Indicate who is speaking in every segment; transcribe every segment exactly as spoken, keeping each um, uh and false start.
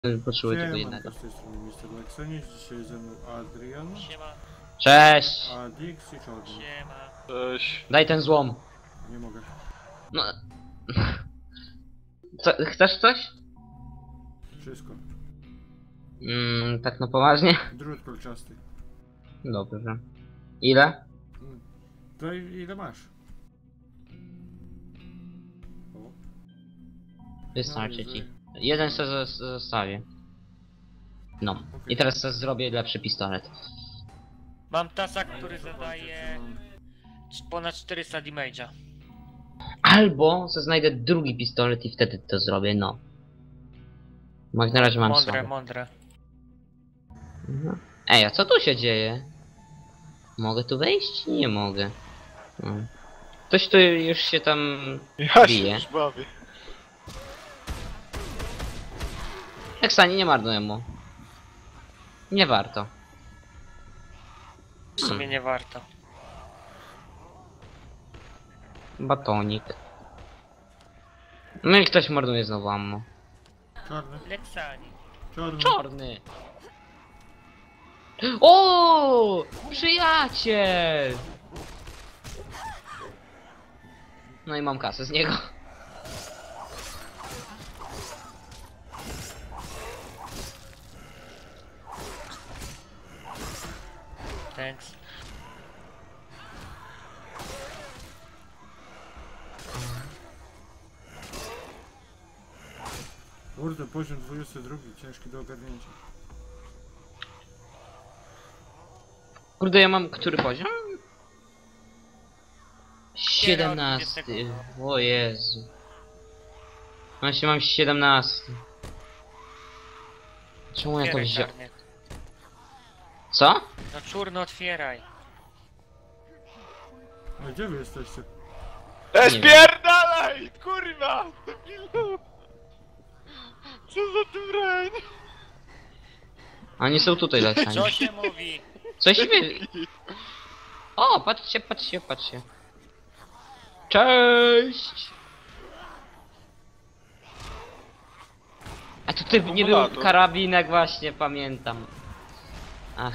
Speaker 1: Potrzebuję tylko
Speaker 2: Siemanko,
Speaker 1: jednego.
Speaker 2: z tej strony mister Lexenius, dzisiaj ze mną Adrian,
Speaker 3: Siema,
Speaker 1: Cześć!
Speaker 2: Adix i Czarny.
Speaker 3: siema.
Speaker 4: Cześć.
Speaker 1: Daj ten złom.
Speaker 2: Nie mogę.
Speaker 1: No. Co, chcesz coś?
Speaker 2: Wszystko.
Speaker 1: Mm, tak no poważnie?
Speaker 2: Drut kolczasty.
Speaker 1: Dobrze. Ile?
Speaker 2: Mm. To i- ile masz? O.
Speaker 1: Wystarczy
Speaker 2: No,
Speaker 1: ci.
Speaker 2: że-
Speaker 1: Jeden sobie zos- zostawię. No.
Speaker 2: Okej.
Speaker 1: I teraz sobie zrobię lepszy pistolet.
Speaker 3: Mam tasak, który
Speaker 2: Zobaczcie,
Speaker 3: zadaje
Speaker 2: co mam.
Speaker 3: c- ponad czterysta damage'a.
Speaker 1: Albo se znajdę drugi pistolet i wtedy to zrobię, no. Bo jak na razie mam
Speaker 3: Mądre,
Speaker 1: słaby.
Speaker 3: mądre.
Speaker 1: Mhm. Ej, a co tu się dzieje? Mogę tu wejść? Nie mogę. Hmm. Ktoś tu już się tam
Speaker 4: Ja się
Speaker 1: bije.
Speaker 4: już bawię.
Speaker 1: Eksani, nie marnuję mu. Nie warto.
Speaker 3: W sumie nie warto.
Speaker 1: Batonik. No i ktoś marnuje znowu ammo.
Speaker 2: Czarny.
Speaker 3: Lexani.
Speaker 2: Czarny.
Speaker 1: Czarny! O, przyjaciel! No i mam kasę z niego.
Speaker 3: Thanks.
Speaker 2: Kurde, poziom dwudziesty drugi, ciężki do ogarnięcia.
Speaker 1: Kurde, ja mam który poziom? siedemnasty. O Jezu. Właśnie mam siedemnasty. Czemu ja to
Speaker 3: Otwieraj,
Speaker 1: wziąłem?
Speaker 3: czarny.
Speaker 1: Co?
Speaker 3: No czurno, otwieraj.
Speaker 2: A gdzie wy jesteście?
Speaker 4: E,
Speaker 1: Nie wiem.
Speaker 4: spierdalaj! Kurwa! Debilu! Co za tym rań?
Speaker 1: Oni są tutaj leceni.
Speaker 3: Co się mówi?
Speaker 1: Coś wy... O, patrzcie, patrzcie, patrzcie. Cześć! A tutaj nie był
Speaker 4: Akumulator.
Speaker 1: karabinek właśnie, pamiętam. Ach.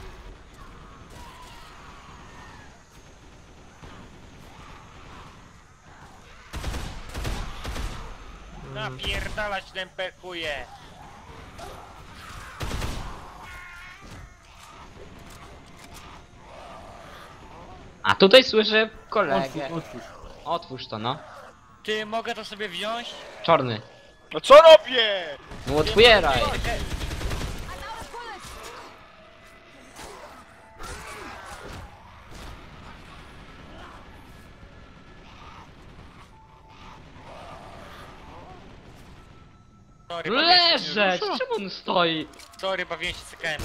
Speaker 3: Napierdalać ten pekuje.
Speaker 1: A tutaj słyszę
Speaker 2: Otwórz,
Speaker 1: kolegę.
Speaker 2: otwórz.
Speaker 1: Otwórz to, no.
Speaker 3: Ty, mogę to sobie wziąć?
Speaker 1: Czarny.
Speaker 4: No co robię?
Speaker 1: No otwieraj!
Speaker 3: Mogę. Sorry, bawiłem się,
Speaker 1: Leżeć! Czemu on stoi?
Speaker 3: sorry, bawiłem się cykałem.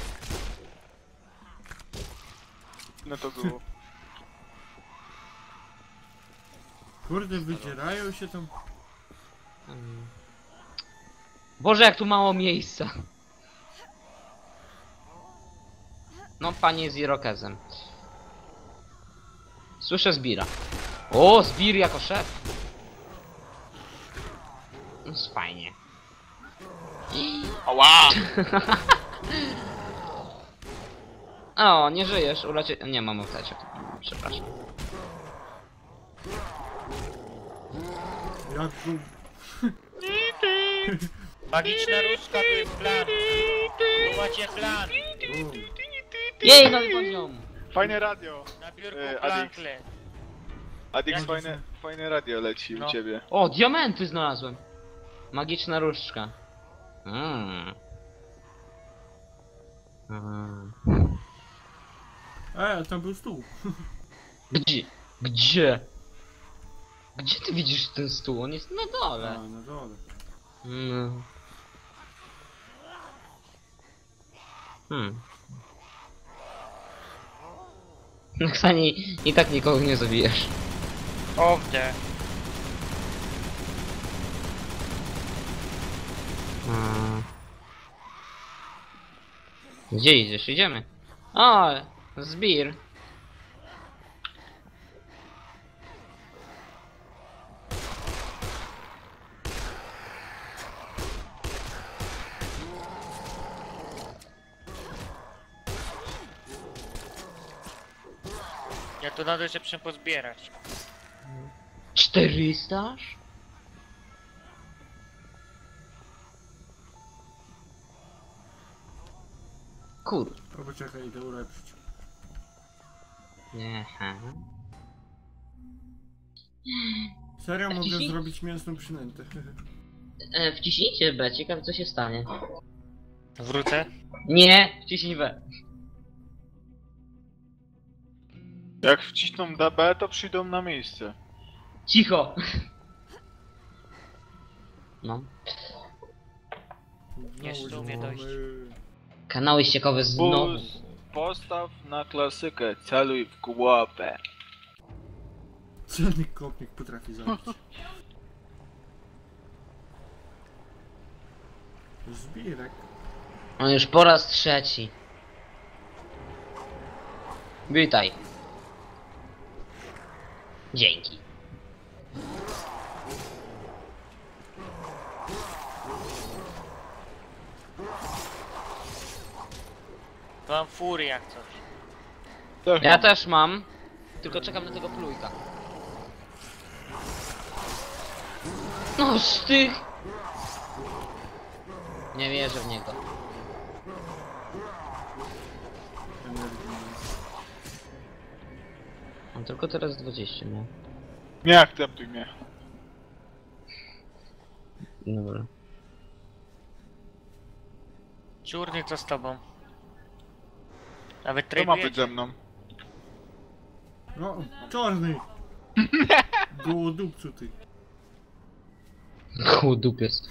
Speaker 4: No to było.
Speaker 2: Kurde, wydzierają się tam.
Speaker 1: Mm. Boże, jak tu mało miejsca. No, panie z Irokezem. Słyszę Zbira. O, Zbir jako szef. No, fajnie.
Speaker 4: Ała!
Speaker 1: O, nie żyjesz, uraczy... Nie, mam apteczek. Przepraszam.
Speaker 2: Jak tu...
Speaker 3: Magiczna różdżka, tu jest plan. Tu macie plan.
Speaker 1: Jej, nowy poziom!
Speaker 4: Fajne radio.
Speaker 3: Na biurku
Speaker 4: E,
Speaker 3: plankle.
Speaker 4: Adix,
Speaker 3: Jak
Speaker 4: fajne, fajne radio leci
Speaker 3: No.
Speaker 4: u ciebie.
Speaker 1: O, diamenty znalazłem. Magiczna różdżka. Mm. Mm.
Speaker 2: E, tam był stół.
Speaker 1: Gdzie? Gdzie? Gdzie ty widzisz ten stół? On jest na
Speaker 2: A,
Speaker 1: dole.
Speaker 2: na dole.
Speaker 1: Mm. Hmm. Ksani, i tak nikogo nie zabijesz.
Speaker 3: Owde.
Speaker 1: Mm. Gdzie idziesz? Idziemy. O, Zbir.
Speaker 3: Ja to nadal jeszcze muszę pozbierać.
Speaker 1: czterysta aż? Kur...
Speaker 2: O, poczekaj, idę ulepszyć.
Speaker 1: Nie, ha.
Speaker 2: Serio mogę
Speaker 1: Wciśnij.
Speaker 2: zrobić mięsną przynętę.
Speaker 1: E, wciśnijcie B, ciekawe co się stanie.
Speaker 3: Wrócę.
Speaker 1: Nie, wciśnij B.
Speaker 4: Jak wcisną D B, to przyjdą na miejsce.
Speaker 1: Cicho! No.
Speaker 3: Jeszcze
Speaker 2: Znowu
Speaker 3: umie dojść.
Speaker 2: dzwony.
Speaker 1: Kanały ściekowe znowu.
Speaker 4: Bus, postaw na klasykę, celuj w głowę.
Speaker 2: Celnik kopnik potrafi zabić. Zbirek.
Speaker 1: On już po raz trzeci. Witaj. Dzięki.
Speaker 3: Mam furię jak coś.
Speaker 4: Też
Speaker 1: Ja
Speaker 4: mam.
Speaker 1: też mam. Tylko czekam na tego plujka. No sztych! Nie wierzę w niego.
Speaker 2: Energii nie ma.
Speaker 1: On tylko teraz dwadzieścia miał.
Speaker 4: Nie akceptuj mnie.
Speaker 1: Dobra.
Speaker 3: Czurny, co z tobą? Nawet
Speaker 4: Kto ma być
Speaker 3: tradujecie?
Speaker 4: ze mną?
Speaker 2: No, czarny! Gołodupcu ty.
Speaker 1: Chudupiec.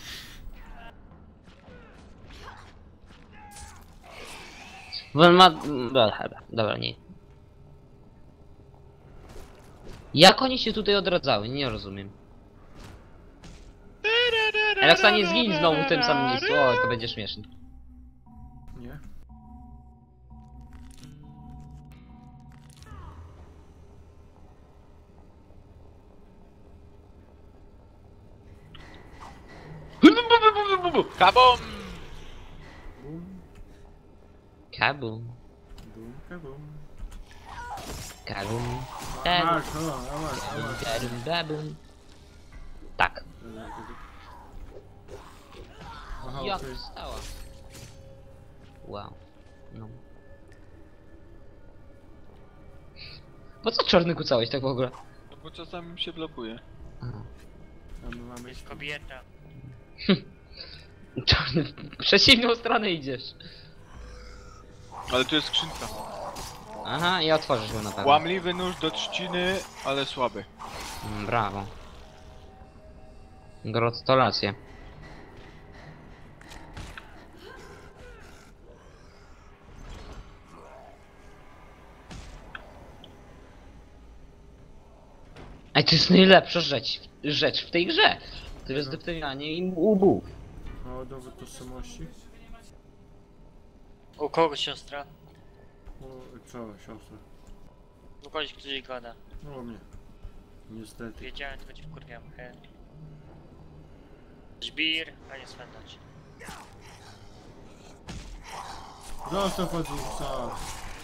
Speaker 1: Bo on ma... Dobra, dobra, nie. Jak oni się tutaj odradzały? Nie rozumiem. Alexa, nie zgiń znowu w tym samym miejscu. O, to będzie śmieszne.
Speaker 2: Nie?
Speaker 4: Kabum!
Speaker 2: Bum,
Speaker 1: Kabum.
Speaker 2: bum, kabum.
Speaker 1: Kabum.
Speaker 2: A,
Speaker 1: Kabum.
Speaker 2: masz, o, a masz, a
Speaker 1: Kabum,
Speaker 2: masz.
Speaker 1: kabum, babum. Tak.
Speaker 2: Aha,
Speaker 1: Jak
Speaker 2: okej.
Speaker 1: wstała. Wow. No. Po co czarny kucałeś tak w ogóle?
Speaker 4: No bo czasami mi się blokuje.
Speaker 1: Aha.
Speaker 2: A my mamy...
Speaker 3: Jest kobieta.
Speaker 1: Czarny, w przeciwną stronę idziesz.
Speaker 4: Ale tu jest skrzynka.
Speaker 1: Aha, i otworzysz ją na pewno.
Speaker 4: Łamliwy nóż do trzciny, ale słaby.
Speaker 1: Mm, brawo. Gratulacje. Ej, to jest najlepsza rzecz, rzecz w tej grze. To jest deptanie im łbów.
Speaker 2: O, dowód tożsamości.
Speaker 3: U kogo siostra?
Speaker 2: O, co, siostra?
Speaker 3: U kogoś, który gada.
Speaker 2: No, o mnie. Niestety.
Speaker 3: Wiedziałem, tylko cię wkurwiam. He. Żbir, a nie swędać.
Speaker 2: Zostaw od nich, co?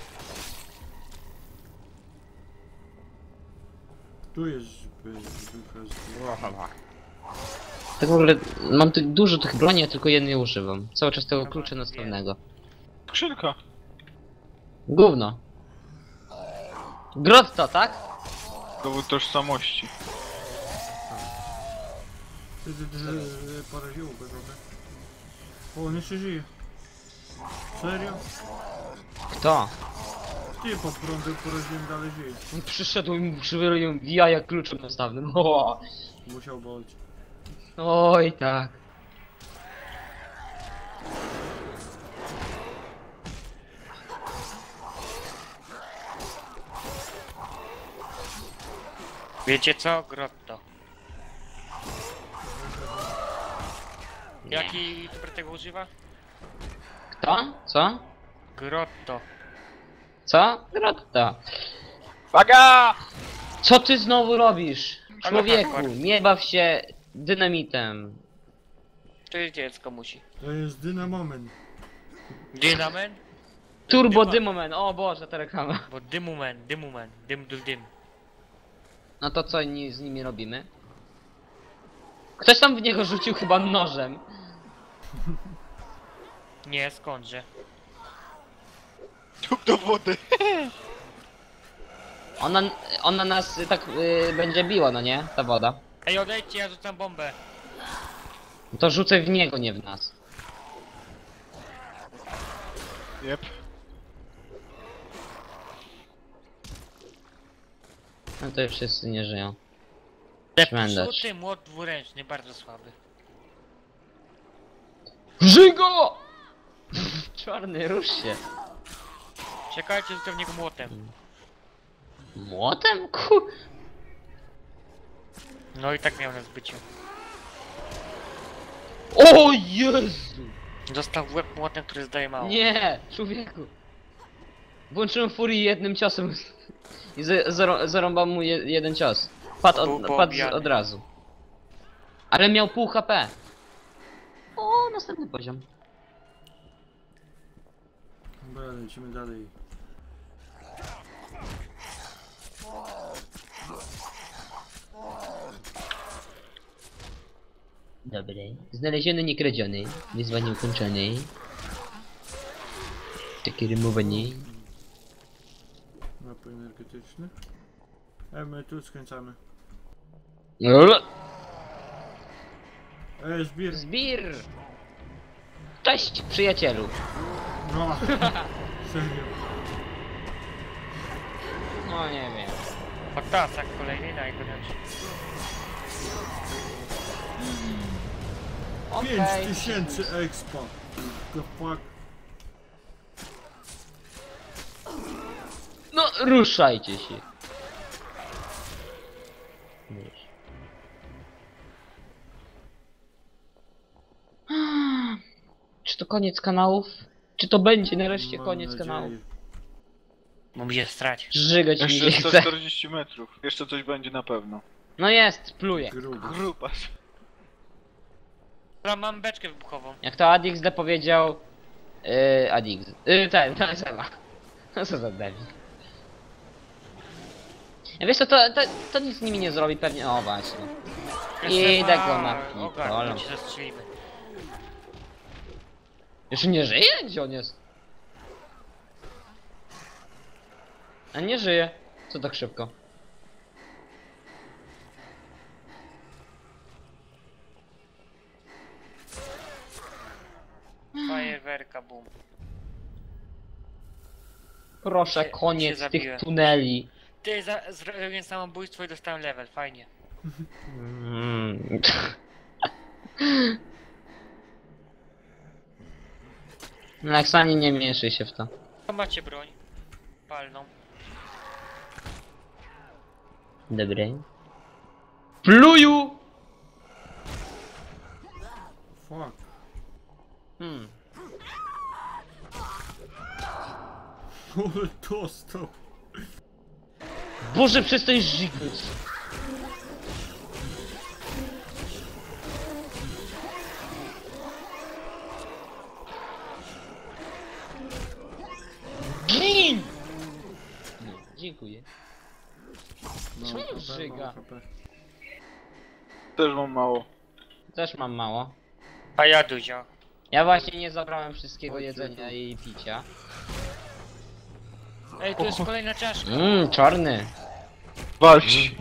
Speaker 2: Tu jest zby- ducha z...
Speaker 1: Tak w ogóle mam tu dużo tych broni, a tylko jednej używam. Cały czas tego klucza następnego.
Speaker 4: Skrzynka.
Speaker 1: Gówno. Grotto, tak?
Speaker 4: Dowód tożsamości.
Speaker 2: Ty, ty, ty, ty, poraziło go trochę. O, on jeszcze żyje. Serio?
Speaker 1: Kto?
Speaker 2: Ty pod prądem poraziłem, dalej żyje.
Speaker 1: On przyszedł i mu przywalił jaja kluczem nastawnym. O,
Speaker 2: Musiał boleć.
Speaker 1: oj tak.
Speaker 3: Wiecie co? Grotto.
Speaker 1: Nie.
Speaker 3: Jaki youtuber tego używa?
Speaker 1: Kto? Co?
Speaker 3: Grotto.
Speaker 1: Co? Grotto.
Speaker 4: Waga!
Speaker 1: Co ty znowu robisz?
Speaker 3: Ale
Speaker 1: Człowieku,
Speaker 3: hardcore.
Speaker 1: nie baw się dynamitem.
Speaker 3: To jest dziecko musi.
Speaker 2: To jest dynamomen.
Speaker 3: Dynamen?
Speaker 1: Turbo
Speaker 3: Dyma.
Speaker 1: Dymoman, o Boże, ta reklama.
Speaker 3: Bo dymumen, dymumen, dym dym dym.
Speaker 1: No to co ni- z nimi robimy? Ktoś tam w niego rzucił chyba nożem.
Speaker 3: Nie, skądże.
Speaker 4: Tup do wody.
Speaker 1: Ona, ona nas y, tak y, będzie biła, no nie? Ta woda.
Speaker 3: Ej, odejdźcie, ja rzucam bombę.
Speaker 1: No to rzucę w niego, nie w nas.
Speaker 4: Jep.
Speaker 1: No to już wszyscy nie żyją. Szmenderz.
Speaker 3: Zepsuty młot dwuręczny, bardzo słaby.
Speaker 1: Żygo! Czarny, rusz się.
Speaker 3: Czekajcie, rzucę w niego młotem.
Speaker 1: Młotem? Ku...
Speaker 3: No i tak miał na zbyciu.
Speaker 1: O Jezu!
Speaker 3: Dostał w łeb młotem, który zdaje mało.
Speaker 1: Nie, człowieku. Włączyłem furię jednym ciosem i z- zaro- zarąbał mu je- jeden cios. Padł
Speaker 3: Był
Speaker 1: od, padł z-
Speaker 3: poobijany.
Speaker 1: od razu. Ale miał pół H P. O, następny poziom.
Speaker 2: Dobra, lecimy dalej.
Speaker 1: Dobry. Znaleziony, nie kradziony. Wyzwanie ukończone. Takie rymowanie.
Speaker 2: Napój energetyczny. E, my tu skręcamy.
Speaker 1: Lol.
Speaker 2: E, zbir.
Speaker 1: Zbir! Cześć, przyjacielu.
Speaker 2: No. Serio.
Speaker 1: No nie wiem.
Speaker 3: Patasak kolejny, najgorętszy.
Speaker 2: Pięć
Speaker 1: Okej.
Speaker 2: tysięcy expa. The fuck.
Speaker 1: No, ruszajcie się. Wiesz. Czy to koniec kanałów? Czy to będzie nareszcie
Speaker 2: Mam
Speaker 1: koniec
Speaker 2: nadzieję.
Speaker 1: kanałów?
Speaker 3: Bo mi się strać.
Speaker 1: Żygać mi się
Speaker 4: Jeszcze
Speaker 1: chce.
Speaker 4: sto czterdzieści metrów. Jeszcze coś będzie na pewno.
Speaker 1: No jest, pluję.
Speaker 2: Gruby.
Speaker 4: Grupa.
Speaker 3: Dobra, mam beczkę wybuchową.
Speaker 1: Jak to Adix D powiedział... Yy, Adix... Yy, ten, ten, Seba. No co za debil. Ja wiesz co, to, to, to nic z nimi nie zrobi pewnie... O właśnie. Idę go na pitolę.
Speaker 3: Ogarnę, cię zastrzelimy.
Speaker 1: Jeszcze nie żyje? Gdzie on jest? A nie żyje. Co tak szybko?
Speaker 3: Fajerwerka, boom.
Speaker 1: Proszę,
Speaker 3: Się-
Speaker 1: koniec
Speaker 3: się
Speaker 1: tych
Speaker 3: zabiłem.
Speaker 1: tuneli.
Speaker 3: Ty, za, zrobiłem samobójstwo i dostałem level, fajnie.
Speaker 1: Mm. Leksani, nie mieszaj się w to.
Speaker 3: To macie broń. Palną.
Speaker 1: Dobry. Pluju!
Speaker 2: Fuck.
Speaker 1: Hmm.
Speaker 2: Ale dostał.
Speaker 1: Boże, przestań żygać. Gin! Nie, dziękuję.
Speaker 2: No,
Speaker 1: Czemu
Speaker 2: H P,
Speaker 1: żyga?
Speaker 2: mało H P.
Speaker 4: Też mam mało.
Speaker 1: Też mam mało.
Speaker 3: A ja Duzio.
Speaker 1: Ja właśnie nie zabrałem wszystkiego
Speaker 2: Oj,
Speaker 1: jedzenia
Speaker 2: ciu.
Speaker 1: i picia.
Speaker 3: Ej, to jest kolejna czaszka.
Speaker 1: Mmm, czarny.
Speaker 4: Walcz.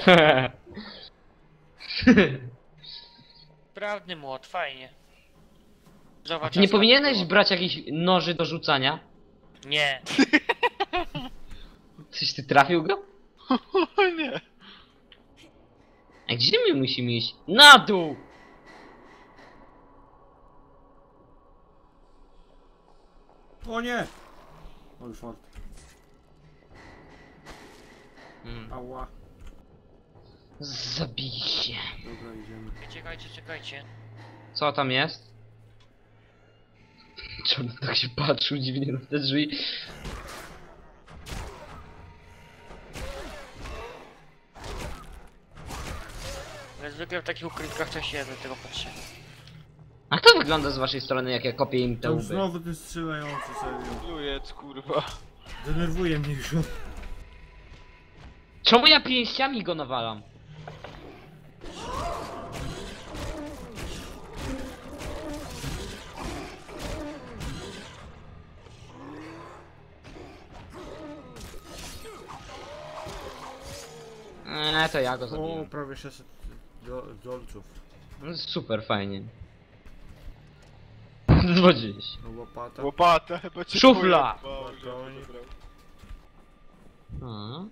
Speaker 3: Sprawny młot, fajnie. Zobacz.
Speaker 1: Ty nie
Speaker 3: aż
Speaker 1: powinieneś
Speaker 3: tak
Speaker 1: brać jakichś noży do rzucania?
Speaker 3: było. Nie.
Speaker 1: Coś ty trafił go?
Speaker 4: O nie.
Speaker 1: A gdzie my musimy iść? Na dół!
Speaker 2: O nie! Oj, fart.
Speaker 1: Mm.
Speaker 2: Ała.
Speaker 1: Zabij się.
Speaker 2: Dobra, idziemy.
Speaker 3: Czekajcie, czekajcie.
Speaker 1: Co tam jest? Czemu tak się patrzył dziwnie na te drzwi?
Speaker 3: Ale zwykle w takich ukrytkach to się do tego patrzę.
Speaker 1: A kto wygląda z waszej strony, jak ja kopię im te
Speaker 2: Tam
Speaker 1: łby?
Speaker 2: znowu ten strzelający, serio.
Speaker 4: Lujec, kurwa.
Speaker 2: Denerwuje mnie już.
Speaker 1: Czemu ja pięściami go nawalam? Eee, to ja go
Speaker 2: O,
Speaker 1: zabiję.
Speaker 2: prawie sześćset do, dolców.
Speaker 1: Super, fajnie. dwadzieścia.
Speaker 2: No łopata.
Speaker 4: Łopata chyba cię
Speaker 1: Szufla!
Speaker 4: pojebało, że
Speaker 2: Batonik.
Speaker 4: zabrał.
Speaker 1: A.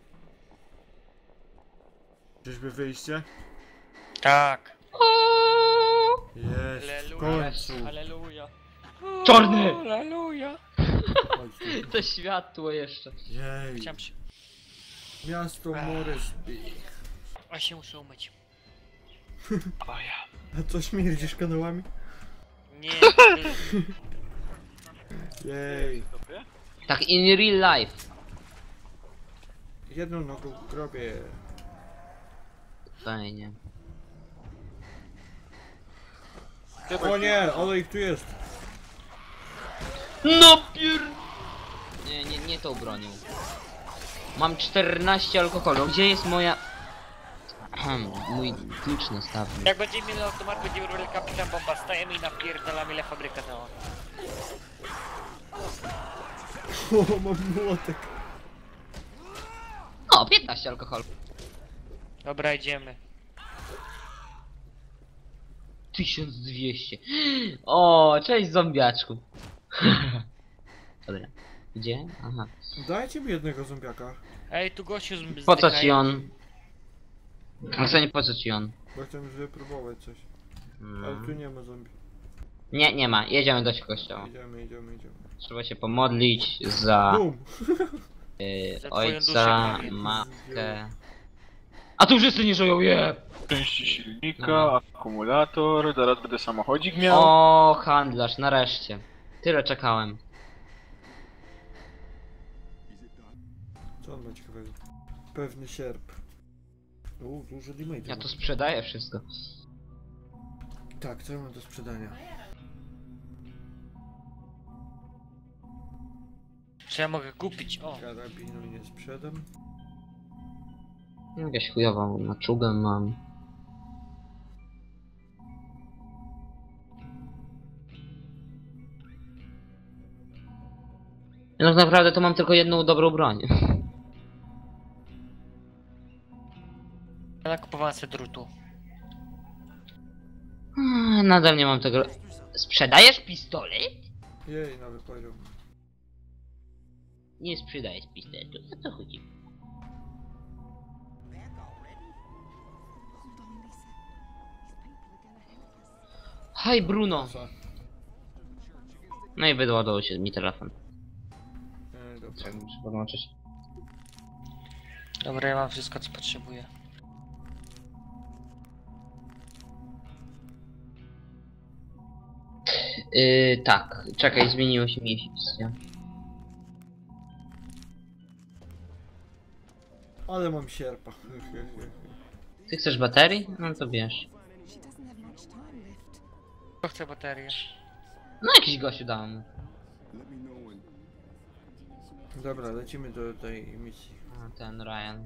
Speaker 2: Czyżby wyjście?
Speaker 3: Tak.
Speaker 2: Jest, w
Speaker 3: Aleluja.
Speaker 2: końcu.
Speaker 3: Aleluja.
Speaker 1: Czarny!
Speaker 3: Aleluja.
Speaker 2: Chodź tu.
Speaker 1: To światło jeszcze.
Speaker 2: Jej.
Speaker 3: Chciałem się...
Speaker 2: Miasto Moresby.
Speaker 3: A się muszę umyć.
Speaker 4: O ja.
Speaker 2: A co, śmierdzisz kanałami?
Speaker 3: Nie.
Speaker 2: Jej.
Speaker 4: Dobry?
Speaker 1: Tak in real life.
Speaker 2: Jedną nogą w grobie.
Speaker 1: Fajnie.
Speaker 2: O nie, ale ich tu jest.
Speaker 1: No pier... Nie, nie, nie tą bronią. Mam czternaście alkoholu. Gdzie jest moja... Ahem, mój klucz nastawny.
Speaker 3: Jak będziemy mieli automat, będziemy robili kapitan bomba. Stajemy i napierdalamy ile fabryka dała.
Speaker 2: O, mam młotek.
Speaker 1: O, piętnaście alkoholu.
Speaker 3: Dobra, idziemy.
Speaker 1: tysiąc dwieście. O, cześć zombiaczku. Dobra. Gdzie? Aha.
Speaker 2: Dajcie mi jednego zombiaka.
Speaker 3: Ej, tu gościu z
Speaker 1: Po co ci on? No co nie po co ci on?
Speaker 2: Bo chcę wypróbować coś. Ale tu
Speaker 1: Mm.
Speaker 2: nie ma zombie.
Speaker 1: Nie, nie ma. Jedziemy do kościoła.
Speaker 2: Idziemy, idziemy, idziemy.
Speaker 1: Trzeba się pomodlić za
Speaker 2: Bum!
Speaker 1: y,
Speaker 3: Za twoją duszę,
Speaker 1: ojca,
Speaker 3: Maria.
Speaker 1: matkę. A tu wszyscy nie żyją, je!
Speaker 4: Części silnika,
Speaker 1: No.
Speaker 4: akumulator, zaraz będę samochodzik miał.
Speaker 1: O, handlarz, nareszcie. Tyle czekałem.
Speaker 2: Co on ma ciekawego? Pewny sierp. U, dużo damage.
Speaker 1: Ja
Speaker 2: ma.
Speaker 1: to sprzedaję wszystko.
Speaker 2: Tak, co ja mam do sprzedania?
Speaker 3: Czy ja mogę kupić? O.
Speaker 2: Karabinu nie sprzedam.
Speaker 1: Jakąś chujową maczugę mam. Ja tak naprawdę to mam tylko jedną dobrą broń.
Speaker 3: Ja nakupowałem sobie drutu.
Speaker 1: Ah, nadal nie mam tego... Sprzedajesz pistolet?
Speaker 2: Jej, nowy poziom.
Speaker 1: Nie sprzedajesz pistoletu, o co chodzi? Hej Bruno!
Speaker 2: Co?
Speaker 1: No i wyładował się mi telefon.
Speaker 2: E, dobra.
Speaker 1: Trzeba muszę podłączyć.
Speaker 3: Dobra, ja mam wszystko co potrzebuję.
Speaker 1: Yy, tak, czekaj, zmieniło się miejsce.
Speaker 2: Ale mam sierpa.
Speaker 1: Ty chcesz baterii? No to bierz.
Speaker 3: Kto chce baterię?
Speaker 1: No jakiś gościu dał mu.
Speaker 2: Dobra, lecimy do tej misji.
Speaker 1: A, ten Ryan.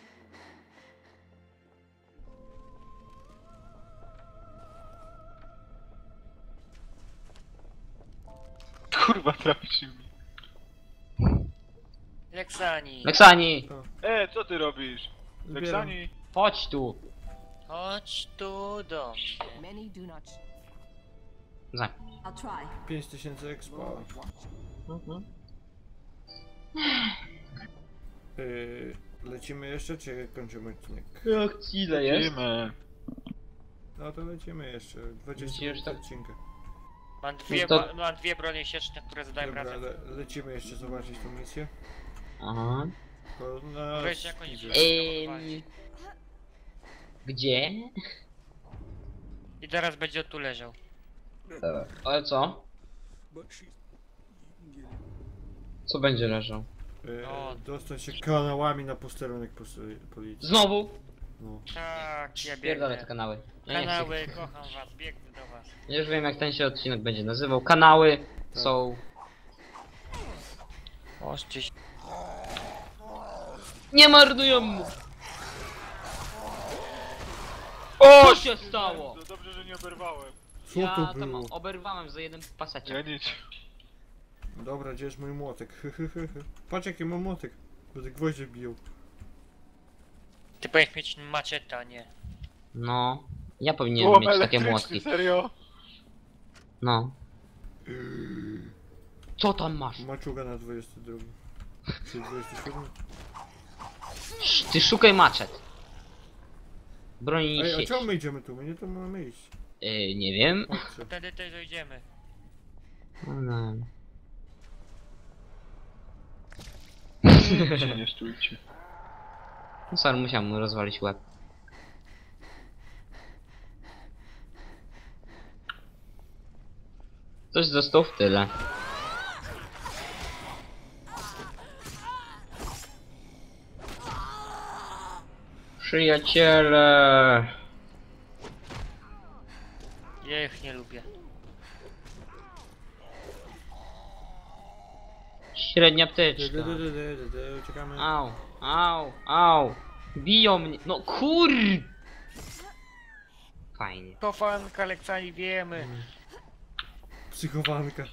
Speaker 4: Kurwa, trafił mi.
Speaker 3: Leksani.
Speaker 1: Leksani!
Speaker 4: E, co ty robisz?
Speaker 2: Zbieram.
Speaker 4: Leksani?
Speaker 1: Chodź tu!
Speaker 3: Chodź tu do mnie.
Speaker 5: Many do not.
Speaker 1: Za.
Speaker 5: I'll try.
Speaker 2: pięć tysięcy expa.
Speaker 1: Mhm.
Speaker 2: Yy, lecimy jeszcze, czy kończymy odcinek?
Speaker 1: Jak ci ile jest?
Speaker 4: Idziemy.
Speaker 2: No to lecimy jeszcze. dwadzieścia
Speaker 1: Myślisz,
Speaker 2: minut
Speaker 1: tak?
Speaker 2: odcinka.
Speaker 3: Mam dwie,
Speaker 1: No to-
Speaker 3: ba- mam dwie bronie sieczne, które zadają
Speaker 2: Dobra,
Speaker 3: razem.
Speaker 2: le lecimy jeszcze zobaczyć tą misję.
Speaker 1: Aha.
Speaker 2: To na
Speaker 3: Weź jakąś
Speaker 2: idzie.
Speaker 1: Ym... Gdzie?
Speaker 3: I teraz będzie tu leżał.
Speaker 1: Ale co? Co będzie leżał?
Speaker 2: Yy,
Speaker 3: O.
Speaker 2: dostać się kanałami na posterunek pos- policji.
Speaker 1: Znowu?
Speaker 2: No.
Speaker 3: Tak, ja
Speaker 1: Pierdolę te
Speaker 3: biegnę.
Speaker 1: kanały. Ja nie chcę.
Speaker 3: Kanały, kocham was, biegnę do was.
Speaker 1: Już wiem jak ten się odcinek będzie nazywał. Kanały
Speaker 2: Tak.
Speaker 1: są...
Speaker 3: Oście się.
Speaker 1: Nie marnują mu!
Speaker 4: O,
Speaker 1: Co się stało?
Speaker 4: To dobrze, że nie oberwałem.
Speaker 2: Co
Speaker 1: Ja
Speaker 2: to
Speaker 1: tam
Speaker 2: było?
Speaker 1: oberwałem za jeden
Speaker 4: Ja
Speaker 1: paseczek.
Speaker 4: nic.
Speaker 2: Dobra, gdzie jest mój młotek? Patrz jaki mam młotek. Będę gwoździe biją.
Speaker 3: Ty powinieneś mieć maczetę, a nie.
Speaker 1: No. Ja powinienem
Speaker 4: Byłam
Speaker 1: mieć takie
Speaker 4: elektryczny,
Speaker 1: młotki.
Speaker 4: serio?
Speaker 1: No. Co tam masz?
Speaker 2: Maczuga na dwudziesty drugi. Czy dwudziesty siódmy?
Speaker 1: Sz- Ty szukaj maczet. Broni
Speaker 2: Ej, a
Speaker 1: sieć.
Speaker 2: czemu my idziemy tu? My nie tu mamy iść.
Speaker 1: Yy, nie wiem.
Speaker 2: Chodźcie.
Speaker 3: Wtedy też dojdziemy.
Speaker 1: No.
Speaker 4: Gdzie nie stójcie.
Speaker 1: No sorry, musiałem mu rozwalić łeb. Coś został w tyle. Przyjaciele.
Speaker 3: Ja ich nie lubię.
Speaker 1: Średnia
Speaker 2: Dy,
Speaker 1: ptyczka.
Speaker 2: dy, dy, dy, dy, dy, dy, Uciekamy.
Speaker 1: Au, au, au. Biją mnie. No kur... Fajnie.
Speaker 3: Kofanka, lekcjami wiemy.
Speaker 2: Psychowanka.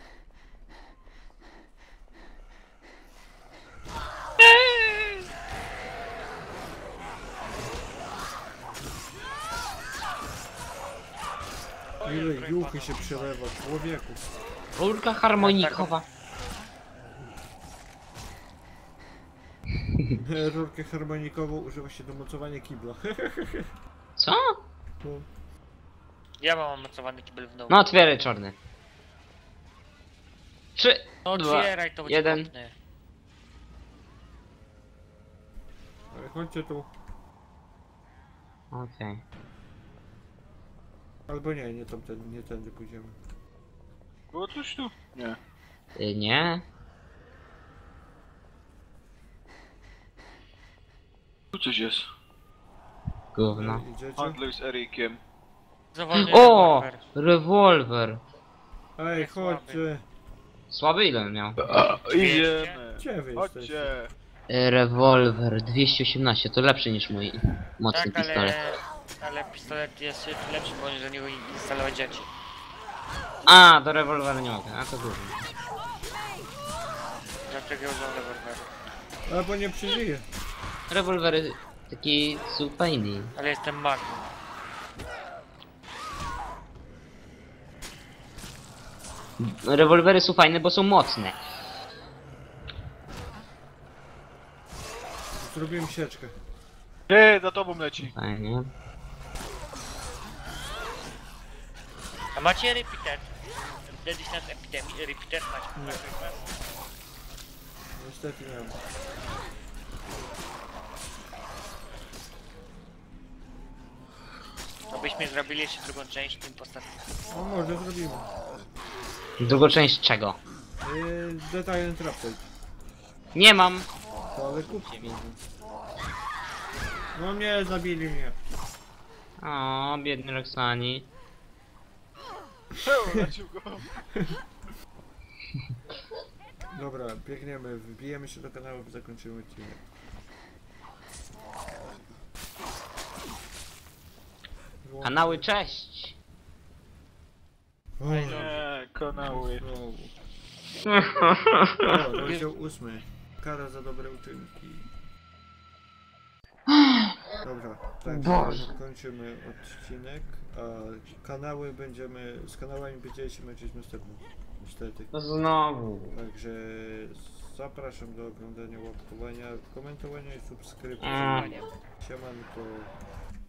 Speaker 2: Ile juchy się przelewa, człowieku.
Speaker 1: Rurka harmonikowa.
Speaker 2: Rurkę harmonikową używa się do mocowania kibla.
Speaker 1: Co?
Speaker 2: No.
Speaker 3: Ja mam mocowany kibel w domu.
Speaker 1: No otwieraj czarny. Trzy,
Speaker 3: No
Speaker 1: dwa,
Speaker 3: otwieraj, to będzie
Speaker 1: jeden.
Speaker 3: kopny.
Speaker 2: Ale chodźcie tu.
Speaker 1: Okej.
Speaker 2: Albo nie, nie tamten, nie tędy pójdziemy.
Speaker 4: Było coś tu? Nie.
Speaker 1: Y, nie?
Speaker 4: Tu coś jest.
Speaker 1: Gówno.
Speaker 2: Ej, Idziecie?
Speaker 4: Handluj z Erikiem.
Speaker 3: Zawolny
Speaker 1: O!
Speaker 3: rewolwer.
Speaker 1: Rewolwer.
Speaker 2: Ej,
Speaker 3: Jest
Speaker 2: chodźcie.
Speaker 1: Słaby ile on miał?
Speaker 4: A, idziemy.
Speaker 2: Gdzie wy jesteście?
Speaker 4: Chodźcie.
Speaker 1: Y, Rewolwer dwieście osiemnaście, to lepszy niż mój mocny
Speaker 3: Tak,
Speaker 1: pistolet.
Speaker 3: ale... Ale pistolet jest lepszy, bo do niego instalować rzeczy.
Speaker 1: A, do rewolweru nie mogę, a to gówno.
Speaker 3: Dlaczego używam rewolweru?
Speaker 2: Albo nie przeżyje.
Speaker 1: Rewolwery taki są fajny.
Speaker 3: Ale jestem magiem.
Speaker 1: Rewolwery są fajne, bo są mocne.
Speaker 2: Zrobiłem sieczkę.
Speaker 4: Ty, za tobą leci.
Speaker 1: Fajnie.
Speaker 3: A macie repeater? Kiedyś nad epidemii repeater macie.
Speaker 2: Niestety nie mam.
Speaker 3: To byśmy zrobili jeszcze drugą część tym postaci.
Speaker 2: No może zrobimy.
Speaker 1: Drugą część czego?
Speaker 2: Yy, Detail Trapside.
Speaker 1: Nie mam.
Speaker 2: To ale kupcie mi. No nie, zabili mnie.
Speaker 1: O, biedny Roxani.
Speaker 4: Heł, lecił go.
Speaker 2: Dobra, biegniemy, wbijemy się do kanału i zakończymy odcinek. Wyłączmy.
Speaker 1: Kanały, cześć!
Speaker 2: O,
Speaker 4: Nie, kanały.
Speaker 2: znowu. O, rozdział ósmy. Kara za dobre uczynki. Dobra, tak,
Speaker 1: Boże.
Speaker 2: kończymy odcinek, a kanały będziemy, z kanałami będziemy się męczyć następnym, niestety.
Speaker 1: No znowu.
Speaker 2: Także zapraszam do oglądania, łapkowania, komentowania i subskrypcji.
Speaker 1: Mm.
Speaker 2: Siemanko.